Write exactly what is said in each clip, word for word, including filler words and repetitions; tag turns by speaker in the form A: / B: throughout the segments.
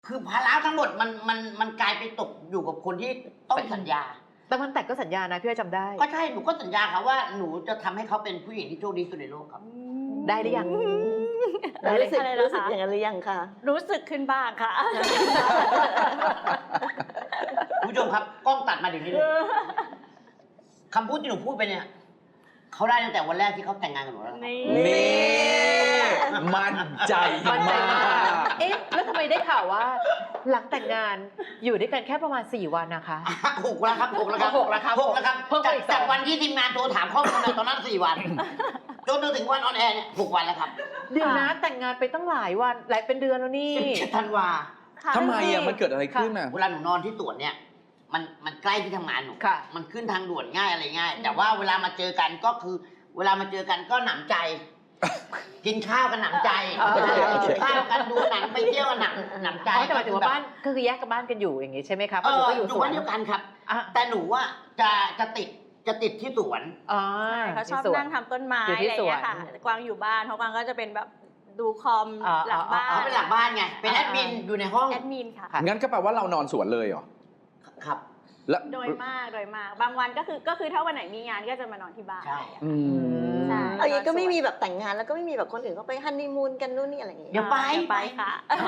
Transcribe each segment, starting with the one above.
A: คือภาระทั้งหมดมันมันมันกลายไปตกอยู่กับคนที่ต้องสัญญา
B: แต่มันแต่งก็สัญญานะพี่อ้อยจำได้
A: ก็ใช่หนูก็สัญญาค่ะว่าหนูจะทำให้เขาเป็นผู้หญิงที่โชคดีที่สุดในโลกครับ
B: ได้หรือยัง
C: แล้วรู้สึก
D: อะไรนะคะ
C: รู้สึกอย่างนั้นหรือยังคะ
D: รู้สึกขึ้นบ้างค่ะ
A: คุณผู้ชมครับกล้องตัดมาเดี๋ยวนี้เลยคำพูดที่หนูพูดไปเนี่ยเขาได้ตั้งแต่วันแรกที่เขาแต่งงานกับหนูแล้วครับ
D: นี่
E: นี่มั่นใจ
B: มั่นใจมาม
E: าก ก
B: เอ๊ะแล้วทำไมได้ข่าวว่า หลังแต่งงานอยู่ด้วยกันแค่ประมาณสี่วันนะคะ
A: หกแล้วครับหกแล้วครับ
B: หกแล้วครับ
A: หกแล้วครับ
B: เพิ่มไป
A: จาก
B: อีกสอง
A: จากวันที่ทีมงานโทรถามข้อมูลนะตอนนั้นสี่วันจนถึงวันออนแอร์เนี่ยหกวันแล้วครับ
B: เดี๋ยวนะแต่งงานไปตั้งหลายวันหลายเป็นเดือนแล้วนี่
A: สิบเจ็ดธันวา
D: ค่ะ
E: ทำไมอ่ะมันเกิดอะไรขึ้นอ่ะ
A: เวลาหนูนอนที่สวนเนี่ยมันมันใกล้ที่ทำงานหนู
B: ค่ะ
A: มันขึ้นทางด่วนง่ายอะไรง่าย แต่ว่าเวลามาเจอกันก็คือ เวลามาเจอกันก็หนำใจ กินข้าวกันหนำใจ
B: เออ
A: กินข้าวกันดูหนังไปเที่ยวกันหนำหนำใจ
B: อ๋อแต่หมายถึงว่าบ้านก็คือแยกกับบ้านกันอยู่อย่างงี้ใช่ไหมคะเพ
A: เอ
B: ราะหนู
A: อ
B: ก็อ
A: อยู่ ยู่
B: สว
A: บ้าน นเดียวกันครับ
B: อ่ะ
A: แต่หนูว่าจะจะติดจะติดที่สวน
B: อ๋อ
D: เขาชอบ
B: ที่สวน
D: นั่งทำต้นไม้
B: อยู่
D: อะไร
B: ที่
D: อย่าง
B: สวน
D: เงี้ยค่ะกวางอยู่บ้านเพราะกวางก็จะเป็นแบบดูคอม
B: อ่า
D: หลังบ้า
B: อ่า
D: น
A: เขาเป็นหลังบ้านไงเป็นแอดมินอยู่ในห้อง
D: แอดมินค่ะ
B: ค่ะ
E: งั้นก็แปลว่าเรานอนสวนเลยเหรอ
A: ครับ
E: แล้ว
D: โดยมากโดยมาก บางวันก็คือก็คือถ้าวันไหนมีงานก็จะมานอนที่บ้าน
A: ใช่
E: อืม
D: ใช่
C: เอาอย่างนี้ก็ไม่มีแบบแต่งงานแล้วก็ไม่มีแบบคนอื่นเขาไปฮันนีมูนกันนู่นนี่อะไรอย่างเงี้ย
A: เดี๋ยวไป
D: เดี๋ยวไปค่ะ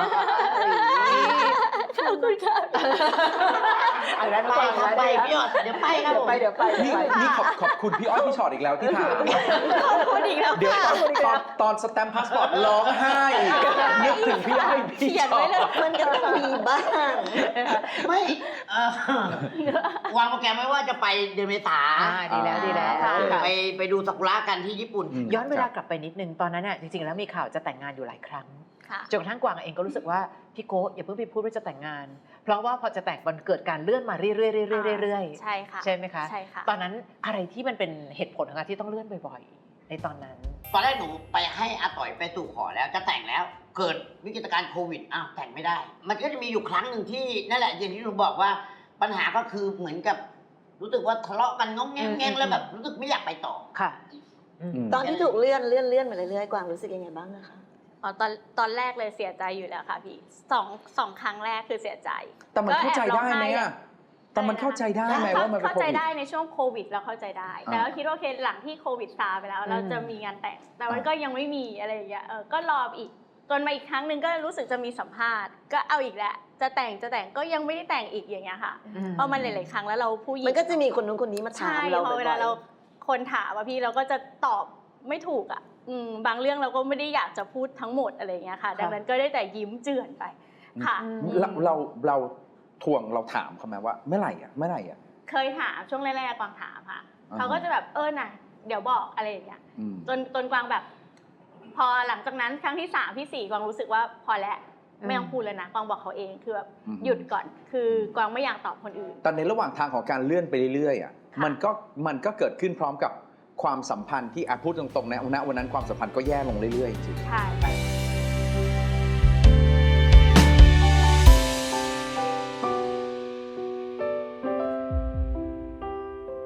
B: ขอบคุณค่ะเอาแล้ว
A: ไปครับไปพี่หยอดเดี๋ยวไปครับผม
B: ไปเดี๋ยวไป
E: นี่นี่ขอบขอบคุณพี่อ้อยพี่ชอตอีกแล้วที่ถาม
D: ขอบคุณอีกแล้ว
E: เดี๋ยว
D: ค่ะ
E: ตอนตอนตอนสแตมป์พาสปอร์ตร้องไห้นึกถึงพี่อ้อยพี่
D: เขียน
E: ชอ
D: ไว้เลย
E: ต
C: มันก็ต้องมีบ้าง
A: ไม่เอ่อวางโปรแกรมไว้ว่าจะไปเดือนเมษา
B: อ่าดีแล้วดีแล้ว
D: ค่ะ
B: ค่ะ
A: ไปไปดูซากุระกันที่ญี่ปุ่น
B: ย้อนเวลากลับไปนิดนึงตอนนั้นน่ะจริงๆแล้วมีข่าวจะแต่งงานอยู่หลายครั้ง
D: ค่ะ
B: จนกระทั่งกวางเองก็รู้สึกว่าพี่โก้อย่าเพิ่งไปพูดว่าจะแต่งงาน เพราะว่าพอจะแต่งมันเกิดการเลื่อนมาเรื่อยๆเรื่อยๆเรื่อยๆ
D: ใช่ค่ะ
B: ใช่ไหมคะ
D: ใช่ค่ะ
B: ตอนนั้นอะไรที่มันเป็นเหตุผลของการที่ต้องเลื่อนบ่อยๆในตอนนั้น
A: ตอนแรกหนูไปให้อาต่อยไปสู่ขอแล้วจะแต่งแล้ว เกิดวิกฤตการณ์โควิดอ้าวแต่งไม่ได้ มันก็จะมีอยู่ครั้งหนึ่งที่นั่นแหละอย่างที่หนูบอกว่าปัญหาก็คือเหมือนกับ รู้สึกว่าทะเลาะกันงงแงงแงงแล้วแบบรู้สึกไม่อยากไปต่อ
B: ค่ะ
C: ตอนที่ถูกเลื่อนเลื่อนเลื่อนมาเรื่อยๆกวางรู้สึกยังไงบ้างนะคะ
D: อ๋อตอนตอนแรกเลยเสียใจอยู่แล้วค่ะพี่สองสองครั้งแรกคือเสียใจ
E: แต่มันเข้าใจได้ไหม
D: ก็แอบร้องไห้
E: อ่ะแต่มันเข้าใจได้ไหมว่ามันเป็น
D: เข้า
E: โค
D: ใจ
E: วิด
D: ได้ในช่วงโควิดเราเข้าใจได้
E: อ่า
D: แต่ก็คิดว่าโอเคหลังที่โควิดซาไปแล้ว เราจะมีงานแต่ง แต่มัน
E: อ่า
D: ก็ยังไม่มีอะไรอย่างเงี้ยเออก็รออีกจนมาอีกครั้งหนึ่งก็รู้สึกจะมีสัมภาษณ์ ก็เอาอีกแล้วจะแต่งจะแต่งก็ยังไม่ได้แต่งอีกอย่างเงี้ยค่ะ
B: อืม
D: เพราะมันหลายๆครั้งแล้วเราผู้หญิง
C: มันก็จะมีคนนู้นคนนี้มาถา
D: ใช่
C: มเรา
D: พอ
C: บ่
D: เว
C: อ
D: ลาย เราคนถามว่าพี่เราก็จะตอบไม่ถูกอ่ะอืมบางเรื่องเราก็ไม่ได้อยากจะพูดทั้งหมดอะไรอย่างเงี้ยค่ะ ดังนั้นก็ได้แต่ยิ้มเจือนไปค่ะ
B: อืม
E: เราเราเราทวงเราถามเขาไหมว่าเมื่อไหร่อ่ะเมื่อไหร่อ่ะ
D: เคยถามช่วงแรกๆกวางถามค่ะ
E: อ่าฮะ
D: เขาก็จะแบบเออน่ะเดี๋ยวบอกอะไรอย่างเงี้ย
E: อืม
D: จนจนกวางแบบ พอหลังจากนั้นครั้งที่สามที่สี่กวางรู้สึกว่าพอแล้วไม่ต้องพูดแล้วนะกวางบอกเขาเองคือแบบ
E: อืม
D: หยุดก่อน คือกวางไม่อยากตอบคนอื่น
E: แต่ในระหว่างทางของการเลื่อนไปเรื่อยๆอ่ะ
D: ค่ะ
E: มันก็มันก็เกิดขึ้นพร้อมกับความสัมพันธ์ที่อ่ะพูดตรงๆนะณวันนั้นความสัมพันธ์ก็แย่ลงเรื่อยๆจริง
D: ใช่